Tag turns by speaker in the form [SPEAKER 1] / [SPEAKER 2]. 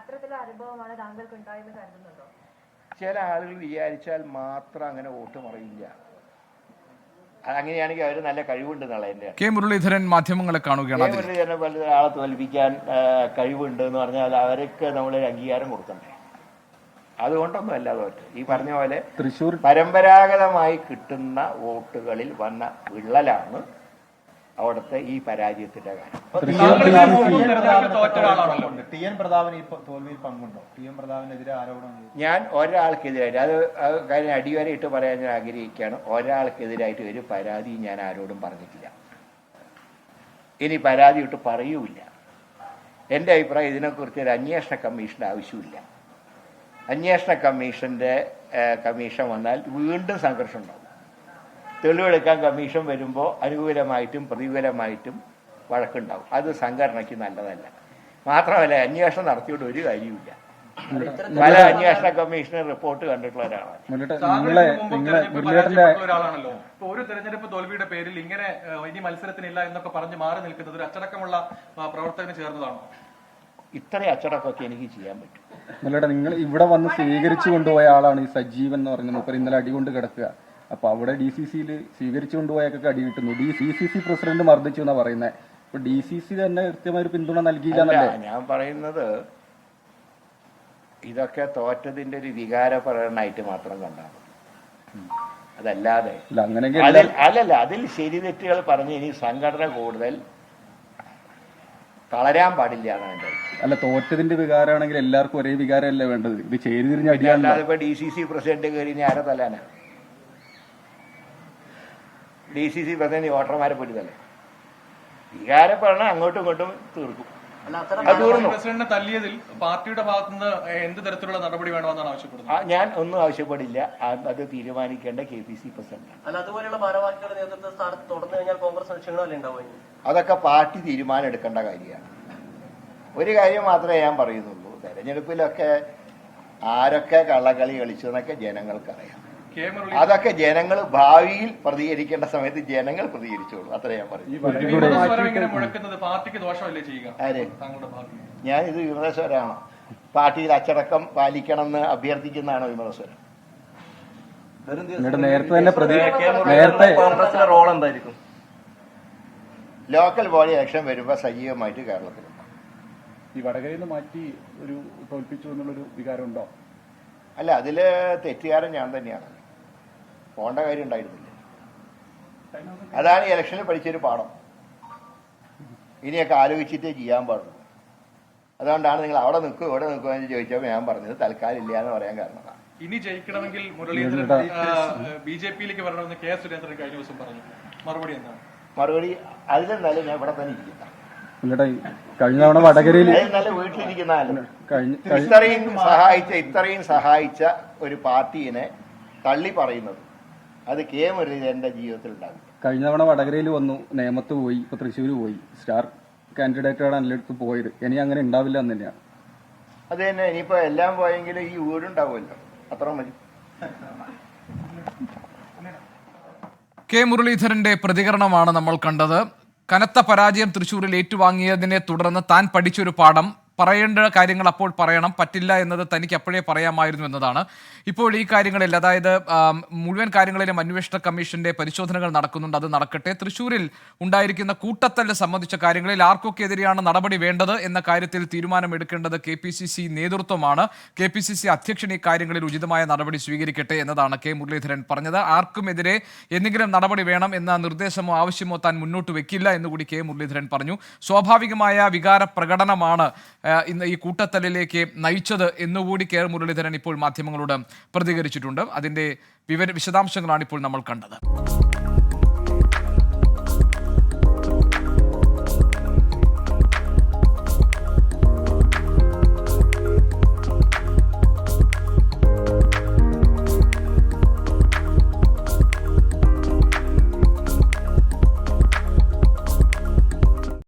[SPEAKER 1] ചില ആളുകൾ വിചാരിച്ചാൽ മാത്രം അങ്ങനെ വോട്ട് മറിയില്ല. അങ്ങനെയാണെങ്കിൽ അവർ നല്ല കഴിവുണ്ട് എന്നുള്ള എൻ്റെ.
[SPEAKER 2] കെ മുരളീധരൻ മാധ്യമങ്ങളെ കാണുകയാണ്.
[SPEAKER 1] മുരളീധരനെ പോലെ ആളെ തോൽപ്പിക്കാൻ കഴിവുണ്ട് എന്ന് പറഞ്ഞാൽ അവർക്ക് നമ്മളൊരു അംഗീകാരം കൊടുക്കണ്ടേ? അതുകൊണ്ടൊന്നും അല്ല തോറ്റ്. ഈ പറഞ്ഞ പോലെ തൃശ്ശൂർ പരമ്പരാഗതമായി കിട്ടുന്ന വോട്ടുകളിൽ വന്ന വിള്ളലാണ് അവിടുത്തെ ഈ പരാജയത്തിന്റെ കാര്യം. ഞാൻ ഒരാൾക്കെതിരായിട്ട് അത് കാര്യം അടിവരയിട്ട് പറയാൻ ഞാൻ ആഗ്രഹിക്കുകയാണ്. ഒരാൾക്കെതിരായിട്ട് ഒരു പരാതി ഞാൻ ആരോടും പറഞ്ഞിട്ടില്ല. ഇനി പരാതി ഇട്ട് പറയൂല. എൻ്റെ അഭിപ്രായം ഇതിനെക്കുറിച്ച് ഒരു അന്വേഷണ കമ്മീഷന്റെ ആവശ്യമില്ല. അന്വേഷണ കമ്മീഷൻ വന്നാൽ വീണ്ടും സംഘർഷം ഉണ്ടാവും. തെളിവെടുക്കാൻ കമ്മീഷൻ വരുമ്പോൾ അനുകൂലമായിട്ടും പ്രതികൂലമായിട്ടും വഴക്കുണ്ടാവും. അത് സംഘടനയ്ക്ക് നല്ലതല്ല. മാത്രമല്ല അന്വേഷണം നടത്തിയോണ്ട് ഒരു കാര്യമില്ല. പല അന്വേഷണ കമ്മീഷണർ റിപ്പോർട്ട് കണ്ടിട്ടുള്ള ഒരാളാണ്.
[SPEAKER 3] ഒരു തെരഞ്ഞെടുപ്പ് തോൽവിയുടെ പേരിൽ ഇങ്ങനെ ഇനി മത്സരത്തിനില്ല എന്നൊക്കെ പറഞ്ഞ് മാറി നിൽക്കുന്നത് ഒരു അച്ചടക്കമുള്ള പ്രവർത്തകന് ചേർന്നതാണോ?
[SPEAKER 1] ഇത്രയും അച്ചടക്കമൊക്കെ എനിക്ക് ചെയ്യാൻ പറ്റും.
[SPEAKER 4] നിങ്ങൾ ഇവിടെ വന്ന് സ്വീകരിച്ചു കൊണ്ടുപോയ ആളാണ് ഈ സജീവൻ എന്ന് പറയുന്നത്. മൂപ്പർ ഇന്നലെ അടികൊണ്ട് കിടക്കുക. അപ്പൊ അവിടെ DCCയിൽ സ്വീകരിച്ചു കൊണ്ടുപോയൊക്കെ അടി കിട്ടുന്നു. DCC പ്രസിഡന്റ് മർദ്ദിച്ചു എന്നാ പറയുന്നത്. ഇപ്പൊ DCC തന്നെ കൃത്യമായ ഒരു പിന്തുണ നൽകിയില്ല.
[SPEAKER 1] ഞാൻ പറയുന്നത് ഇതൊക്കെ തോറ്റതിന്റെ ഒരു വികാര പ്രകടനമായിട്ട് മാത്രം കണ്ടാൽ അതല്ലാതെ അല്ലല്ല. അതിൽ ശരി തെറ്റുകൾ പറഞ്ഞ് ഇനി സംഘടന കൂടുതൽ തളരാൻ പാടില്ല എന്നാണ് എൻ്റെ.
[SPEAKER 4] അല്ല, തോറ്റതിന്റെ വികാരമാണെങ്കിൽ എല്ലാവർക്കും ഒരേ വികാരമല്ലേ വേണ്ടത്? ഇത് ചേരിതിരിഞ്ഞ അടിയാണ്.
[SPEAKER 1] അതിപ്പോ DCC പ്രസിഡന്റ് കയറി ഇനി ആരെ തല്ലാനാ? DCC പ്രസിഡന്റ് വോട്ടർമാരെ പൊരുതല്ലേ? വികാരപ്പെടണം, അങ്ങോട്ടും ഇങ്ങോട്ടും തീർക്കും.
[SPEAKER 3] പ്രസിഡന്റിനെ തല്ലിയതിൽ പാർട്ടിയുടെ ഭാഗത്തുനിന്ന് എന്ത് തരത്തിലുള്ള നടപടി വേണമെന്നാണ് ആവശ്യപ്പെടുന്നത്?
[SPEAKER 1] ഞാൻ ഒന്നും ആവശ്യപ്പെടില്ല. അത് തീരുമാനിക്കേണ്ട KPC പ്രസിഡന്റ്. അതൊക്കെ പാർട്ടി തീരുമാനം എടുക്കേണ്ട കാര്യമാണ്. ഒരു കാര്യം മാത്രമേ ഞാൻ പറയുന്നുള്ളൂ. തെരഞ്ഞെടുപ്പിലൊക്കെ ആരൊക്കെ കള്ളക്കളി കളിച്ചു എന്നൊക്കെ ജനങ്ങൾക്കറിയാം. അതൊക്കെ ജനങ്ങൾ ഭാവിയിൽ പ്രതികരിക്കേണ്ട സമയത്ത് ജനങ്ങൾ പ്രതികരിച്ചോളൂ. അത്ര ഞാൻ പറയും. ഞാൻ ഇത് വിമതസ്വരാണോ? പാർട്ടിയിൽ അച്ചടക്കം പാലിക്കണമെന്ന് അഭ്യർത്ഥിക്കുന്നതാണോ വിമതസ്വരം?
[SPEAKER 4] കോൺഗ്രസിന്റെ റോൾ എന്തായിരിക്കും?
[SPEAKER 1] ലോക്കൽ ബോഡി ഇലക്ഷൻ വരുമ്പോൾ സജീവമായിട്ട് കേരളത്തിലുണ്ട്.
[SPEAKER 4] ഈ വടകരയിൽ നിന്ന് മാറ്റി ഒരു തോൽപ്പിച്ചു എന്നുള്ളൊരു വികാരം ഉണ്ടോ?
[SPEAKER 1] അല്ല, അതില് തെറ്റുകാരൻ ഞാൻ തന്നെയാണ്. പോകേണ്ട കാര്യം ഉണ്ടായിരുന്നില്ല. അതാണ് ഇലക്ഷനിൽ പഠിച്ചൊരു പാഠം. ഇനിയൊക്കെ ആലോചിച്ചിട്ടേ ചെയ്യാൻ പാടുള്ളൂ. അതുകൊണ്ടാണ് നിങ്ങൾ അവിടെ നിൽക്കും ഇവിടെ നിൽക്കുക എന്ന് ചോദിച്ചപ്പോൾ ഞാൻ പറഞ്ഞത് തൽക്കാലം ഇല്ല എന്ന് പറയാൻ കാരണമാണ്.
[SPEAKER 3] ഇനി ജയിക്കണമെങ്കിൽ മുരളീധരൻ BJPയിലേക്ക് വരണമെന്ന് K സുരേന്ദ്രൻ കഴിഞ്ഞ ദിവസം പറഞ്ഞു. മറുപടി എന്താണ്?
[SPEAKER 1] മറുപടി അതിലെന്നാലും ഞാൻ ഇവിടെ തന്നെ ഇരിക്കുന്ന
[SPEAKER 4] കഴിഞ്ഞ തവണ വടകരയിൽ
[SPEAKER 1] നല്ല വീട്ടിലിരിക്കുന്ന ഇത്രയും സഹായിച്ച ഒരു പാർട്ടീനെ തള്ളി പറയുന്നത് അത് K മുരളീധരന്റെ ജീവിതത്തിൽ ഉണ്ടാകും.
[SPEAKER 4] കഴിഞ്ഞ തവണ വടകരയിൽ വന്നു, നേമത്ത് പോയി, ഇപ്പൊ തൃശ്ശൂർ പോയി. സ്റ്റാർ കാൻഡിഡേറ്റാണ് എല്ലായിടത്തും പോയത്. ഇനി അങ്ങനെ ഉണ്ടാവില്ല എന്ന് തന്നെയാണ്.
[SPEAKER 1] അത് തന്നെ. ഇനിയിപ്പോ എല്ലാം പോയെങ്കിലും ഈ വീടുണ്ടാവുമല്ലോ, അത്ര മതി.
[SPEAKER 2] കെ മുരളീധരന്റെ പ്രതികരണമാണ് നമ്മൾ കണ്ടത്. കനത്ത പരാജയം തൃശ്ശൂരിൽ ഏറ്റുവാങ്ങിയതിനെ തുടർന്ന് താൻ പഠിച്ചൊരു പാഠം, പറയേണ്ട കാര്യങ്ങൾ അപ്പോൾ പറയണം, പറ്റില്ല എന്നത് തനിക്ക് അപ്പോഴേ പറയാമായിരുന്നു എന്നതാണ്. ഇപ്പോൾ ഈ കാര്യങ്ങളിൽ, അതായത് മുഴുവൻ കാര്യങ്ങളിലും അന്വേഷണ കമ്മീഷന്റെ പരിശോധനകൾ നടക്കുന്നുണ്ട്, അത് നടക്കട്ടെ. തൃശ്ശൂരിൽ ഉണ്ടായിരിക്കുന്ന കൂട്ടത്തല്ല് സംബന്ധിച്ച കാര്യങ്ങളിൽ ആർക്കൊക്കെതിരെയാണ് നടപടി വേണ്ടത് എന്ന കാര്യത്തിൽ തീരുമാനമെടുക്കേണ്ടത് KPCC നേതൃത്വമാണ്. KPCC അധ്യക്ഷൻ ഈ കാര്യങ്ങളിൽ ഉചിതമായ നടപടി സ്വീകരിക്കട്ടെ എന്നതാണ് K മുരളീധരൻ പറഞ്ഞത്. ആർക്കുമെതിരെ എന്തെങ്കിലും നടപടി വേണം എന്ന നിർദ്ദേശമോ ആവശ്യമോ താൻ മുന്നോട്ട് വെക്കില്ല എന്നുകൂടി K മുരളീധരൻ പറഞ്ഞു. സ്വാഭാവികമായ വികാര പ്രകടനമാണ് ഇന്ന് ഈ കൂട്ടത്തല്ലിലേക്ക് നയിച്ചത് എന്നുകൂടി K മുരളീധരൻ ഇപ്പോൾ മാധ്യമങ്ങളോട് പ്രതികരിച്ചിട്ടുണ്ട്. അതിന്റെ വിശദാംശങ്ങളാണ് ഇപ്പോൾ നമ്മൾ കണ്ടത്.